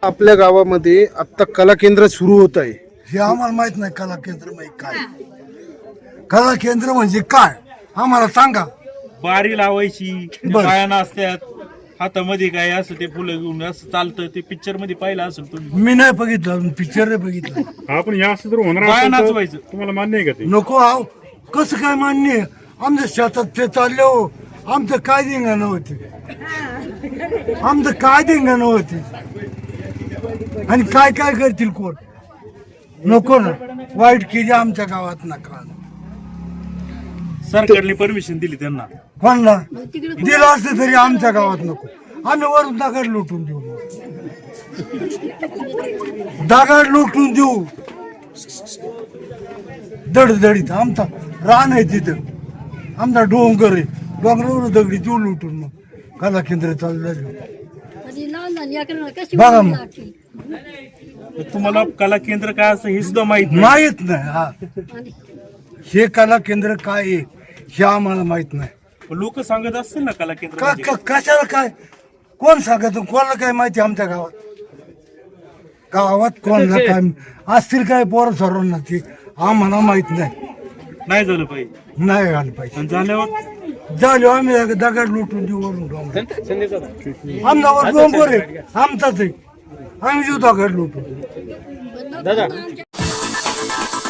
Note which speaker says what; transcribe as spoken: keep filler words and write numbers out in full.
Speaker 1: आपल्या गावामध्ये आता कला केंद्र सुरू होत आहे.
Speaker 2: हे आम्हाला माहित नाही कला केंद्र म्हणजे काय. कला केंद्र म्हणजे काय आम्हाला सांगा.
Speaker 3: बारी लावायची
Speaker 2: बरं.
Speaker 3: बाया असतात हातामध्ये काय असं ते फुलं घेऊन असं चालतं. ते पिक्चर मध्ये पाहिलं असेल तुम्ही.
Speaker 2: मी नाही बघितलं पिक्चर नाही बघितलं.
Speaker 4: आपण या असं जर होणार
Speaker 3: बाया
Speaker 4: असेल तर
Speaker 3: नाचवायचं.
Speaker 4: तुम्हाला मान्य आहे का ते?
Speaker 2: नको आव कसं काय मान्य आहे? आमच्या शेतात ते चालले हो. आमचं काय धिंगाणं होते. आमचं काय धिंगाणं होते आणि काय काय करतील कोण. नको ना वाईट केली आमच्या गावात नका.
Speaker 3: सरकारने परमिशन दिली त्यांना.
Speaker 2: कोणला दिलं असतं तरी आमच्या गावात नको. आम्ही वरून दगड लुटून देऊ. दगड लुटून देऊ दडदडीत. आमचा रान आहे तिथं. आमचा डोंगर आहे. डोंगरावर दगडी देऊ लुटून. मग कला केंद्र चालू झालं बघा. मग
Speaker 3: तुम्हाला कला केंद्र काय असं हे सुद्धा माहित नाही.
Speaker 2: माहित नाही. हा हे कला केंद्र काय आहे हे आम्हाला माहित नाही.
Speaker 3: लोक सांगत असतील ना कला केंद्र
Speaker 2: का
Speaker 3: म्हणजे काय.
Speaker 2: का- कशाला काय कोण सांगत कोणाला काय माहिती आमच्या गावात. गावात कोणाला काय असतील काय पोरं सर्वांना ते आम्हाला माहित नाही.
Speaker 3: नाही झालं पाहिजे.
Speaker 2: नाही घाल पाहिजे.
Speaker 3: आणि झाल्यावर
Speaker 2: झालो आम्ही दगड लुटून देऊ वरून डोंगर. आमच्यावर डोंगर आहे आमचाच आहे. आम्ही देऊ दगड लुटून.